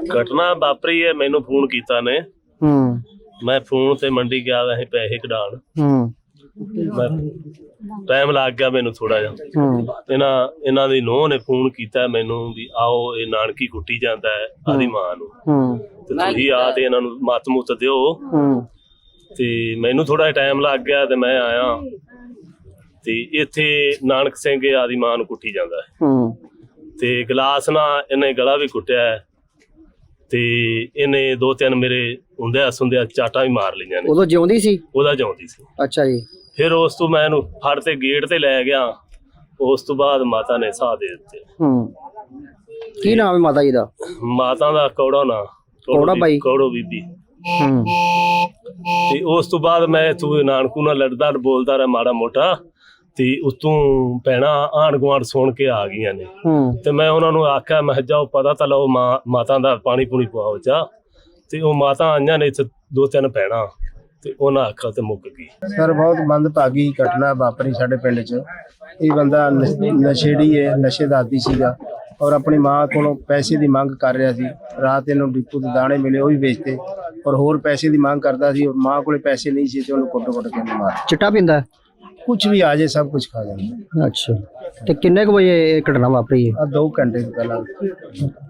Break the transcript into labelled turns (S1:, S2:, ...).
S1: घटना वापरी है, मैनू फोन किया ने, मैं फोन से मंडी गया वैसे पैसे कढाण, टाइम लग गया मैनू थोड़ा जिहा। इन्हां दी नूंह ने फोन किया मैनू भी आओ ये नानकी कुट्टी जांदा है आदी मां नूं, ते तुसीं आ ते इन्हां नूं मत मुत दिओ। ते मैनू थोड़ा टाइम लग गया ते मैं आया ते इत्थे नानक सिंह आदी मां नूं कुट्टी जांदा है, ते गिलास नाल इन्हें गला भी कुट्टिया है, ते इन्हें 2-3 मेरे हुंदिया सुंदिया चाटा भी मार लईआं ने।
S2: उदों जिउंदी सी?
S1: उहदा जिउंदी सी।
S2: अच्छा जी।
S1: फिर उस तो मैं इहनूं फड़ ते गेट ते लै गया, उस तो बाद माता ने साह दे दित्ते।
S2: की नाम है माता जी दा?
S1: माता दा कौड़ा ना,
S2: कौड़ा बाई,
S1: कौड़ो बीबी। ते उस तो बाद मैं इत्थों नानकू नाल लड़दा बोलदा रहा माड़ा मोटा, ते उत्तों भैणां आंढ गुआंढ सुण के आ गईयां ने, ते मैं उन्हां नूं आख्या मैं जाओ पता तां लओ माता दा पानी पूनी पवाओ जा, ते ओह माता आईयां ने इत्थे 2-3 भैणां, ते उन्हां आख्या ते मुक गई।
S3: सर बहुत मंदभागी घटना वापरी साडे पिंड च। ये बंदा नशेड़ी है, नशे दा आदी सीगा और अपनी मां कोलों पैसे की मंग कर रहा सी। रात इन्हूं डिपू दे दाणे मिले वो भी बेचते और होर पैसे की मंग करता सी, और मां कोले पैसे नहीं सी ते उहनूं कुੱਟ-ਕੁੱਟ के मार।
S2: चिट्टा पींदा?
S3: कुछ भी आ जाए सब कुछ खा जाता।
S2: अच्छा, तो किन्ने क बजे घटना वापरी है?
S3: 2 घंटे पहला।